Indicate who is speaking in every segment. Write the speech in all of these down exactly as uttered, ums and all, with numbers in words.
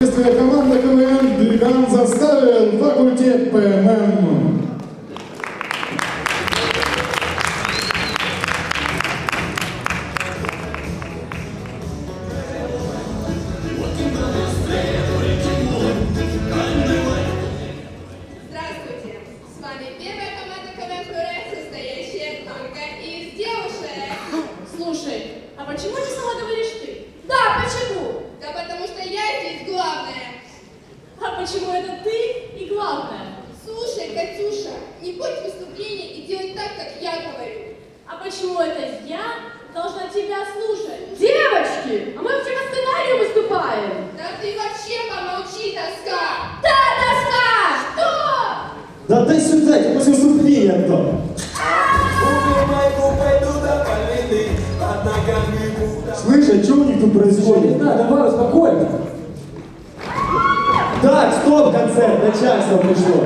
Speaker 1: Команда КВН «Дыган заставил», факультет ПММ.
Speaker 2: Здравствуйте! С вами первая команда КВН «Пюре», состоящая только из девушек.
Speaker 3: Слушай, а почему не сама говоришь ты?
Speaker 2: Да, почему? Да потому что я здесь главная.
Speaker 3: А почему это ты и главное?
Speaker 2: Слушай, Катюша, не будь выступления и делай так, как я говорю.
Speaker 3: А почему это я должна тебя слушать? Девочки, а мы вообще по сценарию выступаем.
Speaker 2: Да ты вообще помолчи, доска!
Speaker 3: Да, доска! Что?
Speaker 4: Да дай сюда, тебе после выступления кто? Слышь, а что у них тут происходит?
Speaker 5: Да, давай, успокойся.
Speaker 4: Так, стоп, концерт, начальство пришло.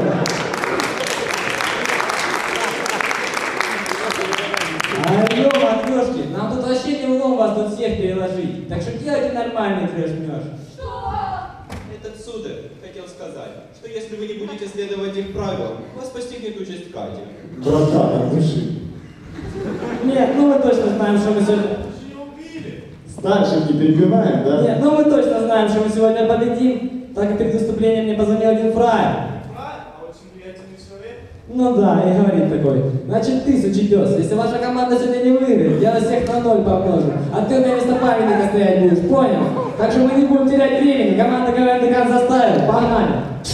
Speaker 5: Алло, матрешки, нам тут вообще не улом вас тут всех переложить. Так что делайте нормальный трэш-мёж.
Speaker 3: Что?
Speaker 6: Этот сударь хотел сказать, что если вы не будете следовать их правилам, вас постигнет участь Кати.
Speaker 4: Братан, от души.
Speaker 5: Нет, ну мы точно знаем, что мы сегодня...
Speaker 4: Старших не перебиваем, да?
Speaker 5: Нет, ну мы точно знаем, что мы сегодня победим. Так как перед выступлением мне позвонил один фраер.
Speaker 7: А очень влиятельный человек.
Speaker 5: Ну да, и говорит такой. Значит, ты, сучий пес, если ваша команда сегодня не выиграет, я вас всех на ноль помножу. А ты на место памятника стоять будешь, понял? Так что мы не будем терять времени. Команда КВН «Дыган заставил». Погнали!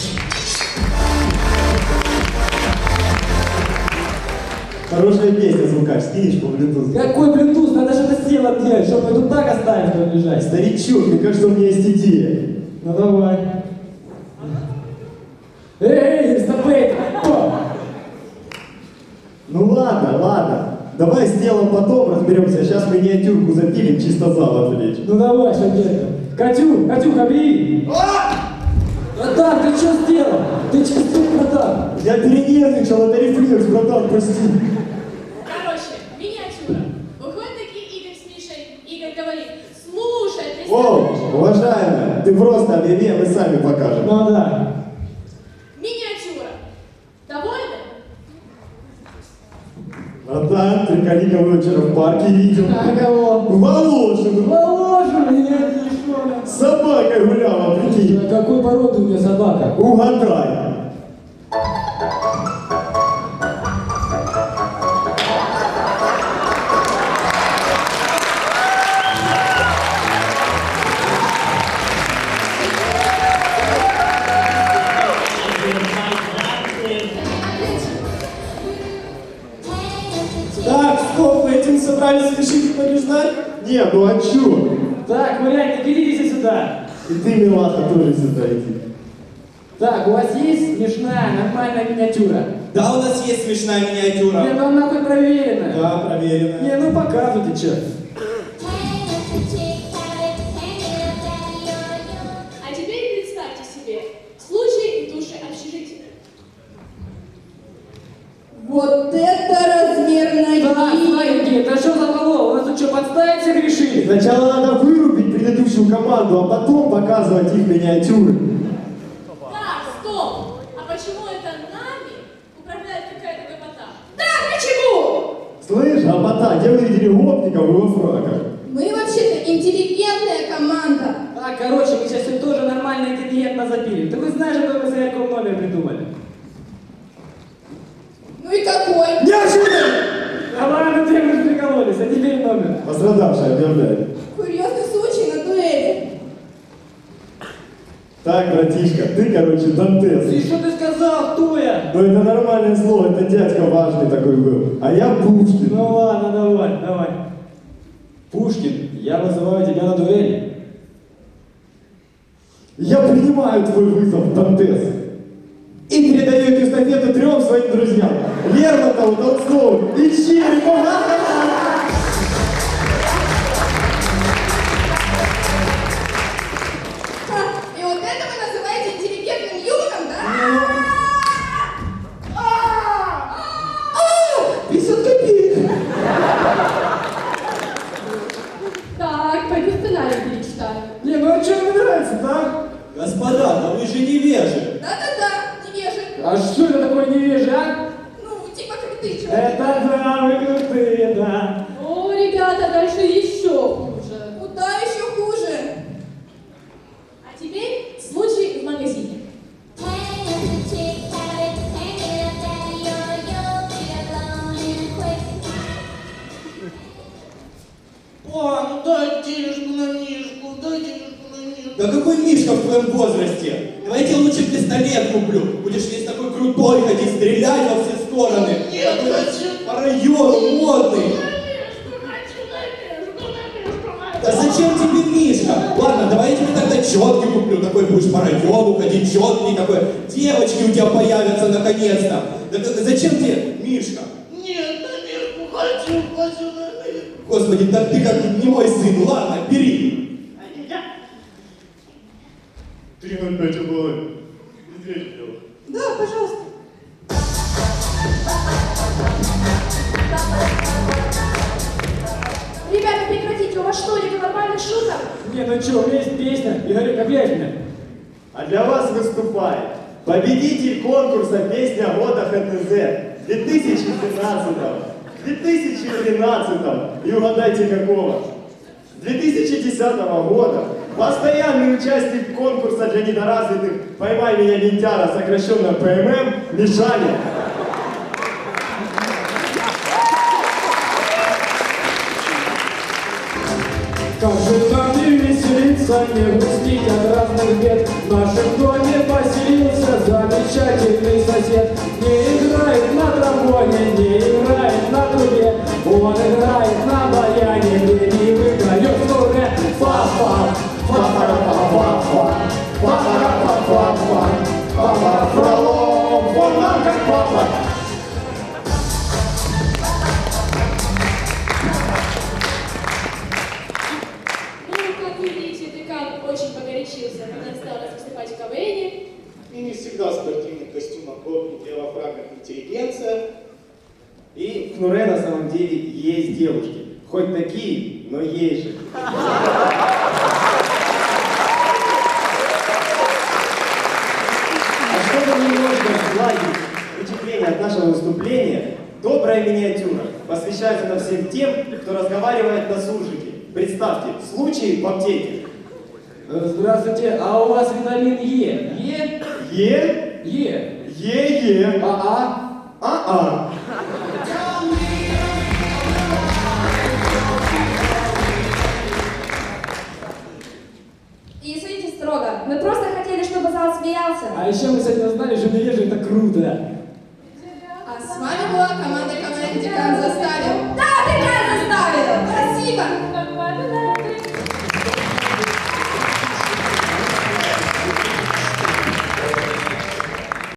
Speaker 4: Хорошая песня, звукач, скинешь по Bluetooth.
Speaker 5: Какой Bluetooth? Надо что-то с телом делать, чтобы мы тут так оставим, что ли, лежать.
Speaker 4: Старичок, мне кажется, у меня есть идея.
Speaker 5: Ну давай. Эй, стопэй!
Speaker 4: Ну ладно, ладно. Давай с делом потом разберемся. Сейчас миниатюрку запилим, чисто зал отвлечь.
Speaker 5: Ну давай, что делать? Катю, Катюха, бери! Братан, ты что сделал? Ты что сделал, братан?
Speaker 4: Я перенервничал, это рефлекс, братан, прости.
Speaker 3: Короче, миниатюра. Выходят такие Игорь с Мишей. Игорь говорит, слушай,
Speaker 4: О,
Speaker 3: представляешь?
Speaker 4: уважаемая, ты просто объяви, а мы сами покажем.
Speaker 5: Ну да.
Speaker 3: Миниатюра. Довольны?
Speaker 4: Братан, ты кого вчера в парке видел?
Speaker 5: А кого?
Speaker 4: Волошину.
Speaker 5: Положу меня, ты что?
Speaker 4: С собакой гуляла, прикинь.
Speaker 5: Какой породы у меня собака?
Speaker 4: Угадай.
Speaker 7: Так, стоп, вы этим собрались решить и побеждать?
Speaker 4: Не, ну а чё?
Speaker 5: Так, гуляньте, берите сюда.
Speaker 4: И ты, милаха, тоже сюда иди.
Speaker 5: Так, у вас есть смешная, нормальная миниатюра?
Speaker 6: Да, у нас есть смешная миниатюра.
Speaker 5: Не, ну нахуй проверенная.
Speaker 6: Да, проверено.
Speaker 5: Не, ну показывайте, чё.
Speaker 3: А теперь представьте себе случай в душе общежития.
Speaker 2: Вот это размерная
Speaker 5: Так, смотрите, это что за баллон? У нас тут что, подставить всех решили?
Speaker 4: Сначала надо вырубить предыдущую команду, а потом показывать их миниатюры.
Speaker 3: Так, стоп! А почему это нами управляет какая-то гопота?
Speaker 2: Да, почему?
Speaker 4: Слышь, а где вы видели гопников и во фраках?
Speaker 2: Мы вообще-то интеллигентная команда.
Speaker 5: Так, короче, мы сейчас все тоже нормально интеллигентно запилим. Ты хоть знаешь, какой мы с Ярком номер придумали?
Speaker 2: Ну и какой?
Speaker 4: Неожиданно!
Speaker 5: А ладно, ты мы прикололись, а теперь номер.
Speaker 4: Пострадавший объявляет.
Speaker 2: Курьезный случай на дуэли.
Speaker 4: Так, братишка, ты, короче, Дантес.
Speaker 5: И что ты сказал, кто я?
Speaker 4: Ну это нормальное слово, это дядька важный такой был. А я Пушкин.
Speaker 5: Ну ладно, давай, давай. Пушкин, я вызываю тебя на дуэль.
Speaker 4: Я принимаю твой вызов, Дантес. И передаю эту эстафету трем своим друзьям. Лермонтову, Толстову и Черепову.
Speaker 2: Ха, и вот это вы называете интеллигентным юмором, да? А, пятьдесят копеек.
Speaker 3: Так, пойду сценарий перечитаю.
Speaker 5: Не, ну а что мне нравится, да?
Speaker 6: Господа, да вы же невежи.
Speaker 2: Да-да-да, невежи.
Speaker 5: А что это такое невежи, а?
Speaker 2: Ну, типа как ты, чё?
Speaker 5: Это да, вы крутые, да.
Speaker 3: О, ребята, дальше еще хуже.
Speaker 2: Куда еще хуже?
Speaker 3: А теперь случай в магазине.
Speaker 7: О, ну дай денежку на Мишку, дай денежку на Мишку.
Speaker 6: Да какой Мишка в твоем возрасте? Давайте лучше пистолет куплю. Будешь весь такой крутой ходить, стрелять во все стороны.
Speaker 7: Нет,
Speaker 6: Такой
Speaker 7: хочу.
Speaker 6: по району модный. Да зачем тебе Мишка? Ладно, давай я тебе тогда четкий куплю. Такой будешь по району ходить, четкий такой. Девочки у тебя появятся наконец-то. Да как- зачем тебе Мишка?
Speaker 7: Нет, на Мишку хочу, хочу на Мишку.
Speaker 6: Господи, да ты как не мой сын. Ладно, бери.
Speaker 1: три ноль пять угловой. Медведь дело.
Speaker 2: Да, пожалуйста.
Speaker 3: Ребята, прекратите, у вас что, нет нормальных шуток?
Speaker 5: Не, ну что, у меня есть песня, Игорь Копляшина.
Speaker 4: А для вас выступает победитель конкурса «Песня года ХТЗ» две тысячи двенадцатого, две тысячи тринадцатого и угадайте какого? две тысячи десятого года постоянный участник конкурса для недоразвитых «Поймай меня, лентяра», сокращенно ПММ, Мишаня.
Speaker 5: Как же нам не веселиться, не грустить от разных бед. В нашем доме поселился замечательный сосед. Не играет на тромбоне, не играет на трубе. Он играет на баяне, и выиграет в туре. Фа-фа, фа-фа-фа-фа-фа, фа-фа-фа-фа-фа, фа-фа-фролом, он нам как папа.
Speaker 3: Ну, как вы видите, декан очень погорячился, когда осталось выступать в КВНе.
Speaker 7: И не всегда в спортивных костюмах гопники, а во фраках интеллигенция.
Speaker 4: И в Кнуре на самом деле есть девушки. Хоть такие, но есть же. А чтобы немножко сгладить впечатление от нашего выступления, добрая миниатюра посвящается на всем тем, кто разговаривает на суржике. Представьте, случай в аптеке.
Speaker 5: Здравствуйте, а у вас витамин Е? Е?
Speaker 4: Е,
Speaker 5: Е.
Speaker 4: Е, Е,
Speaker 5: А, а?
Speaker 4: А, А.
Speaker 8: И судите строго. Мы просто хотели, чтобы зал смеялся.
Speaker 5: А еще мы сегодня узнали, что невежи это круто.
Speaker 2: А с вами была команда КВН «Декан заставил».